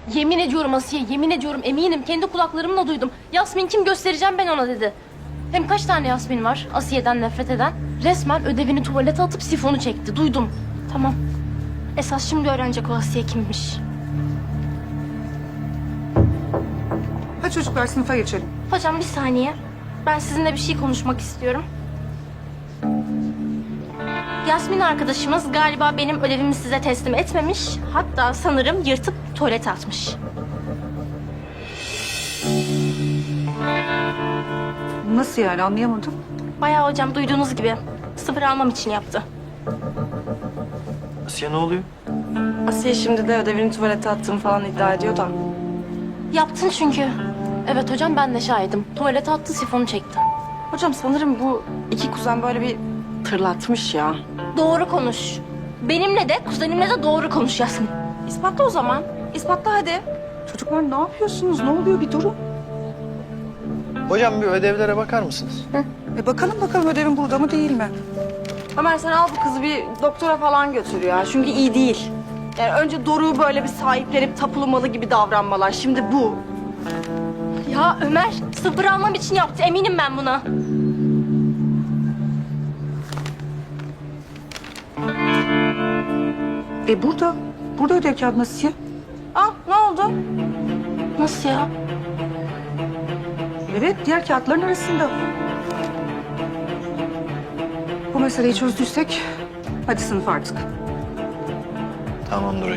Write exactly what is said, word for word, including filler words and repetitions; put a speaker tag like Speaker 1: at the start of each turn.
Speaker 1: Yemin ediyorum Asiye, yemin ediyorum eminim. Kendi kulaklarımla duydum. Yasmin kim göstereceğim ben ona dedi. Hem kaç tane Yasmin var Asiye'den nefret eden? Resmen ödevini tuvalete atıp sifonu çekti. Duydum. Tamam. Esas şimdi öğrenecek o Asiye kimmiş.
Speaker 2: Hadi çocuklar sınıfa geçelim.
Speaker 1: Hocam bir saniye. Ben sizinle bir şey konuşmak istiyorum. Yasmin arkadaşımız galiba benim ödevimi size teslim etmemiş. Hatta sanırım yırtıp tuvalete atmış.
Speaker 2: Nasıl yani anlayamadım.
Speaker 1: Bayağı hocam duyduğunuz gibi sıfır almam için yaptı.
Speaker 3: Asiye ne oluyor?
Speaker 4: Asiye şimdi de ödevini tuvalete attığını falan iddia ediyor da.
Speaker 1: Yaptın çünkü. Evet hocam ben de şahidim. Tuvalete attı sifonu çekti.
Speaker 4: Hocam sanırım bu iki kuzen böyle bir tırlatmış ya.
Speaker 1: Doğru konuş. Benimle de kuzenimle de doğru konuş Yasmin.
Speaker 4: İspatla o zaman. İspatla hadi.
Speaker 2: Çocuklar ne yapıyorsunuz? Ne oluyor bir durun.
Speaker 3: Hocam bir ödevlere bakar mısınız?
Speaker 2: E bakalım bakalım ödevin burada mı değil mi?
Speaker 4: Ömer sen al bu kızı bir doktora falan götür ya. Çünkü iyi değil. Yani önce Doruk'u böyle bir sahiplenip tapulu malı gibi davranmalar. Şimdi bu.
Speaker 1: Ya Ömer sıfır almam için yaptı eminim ben buna.
Speaker 2: E burada. Burada ödev kağıdı Asiye.
Speaker 4: Al ne oldu?
Speaker 1: Nasıl ya?
Speaker 2: Evet diğer kağıtların arasında. Bu meseleyi çözdüysek hadi sınıfa artık.
Speaker 3: Tamamdır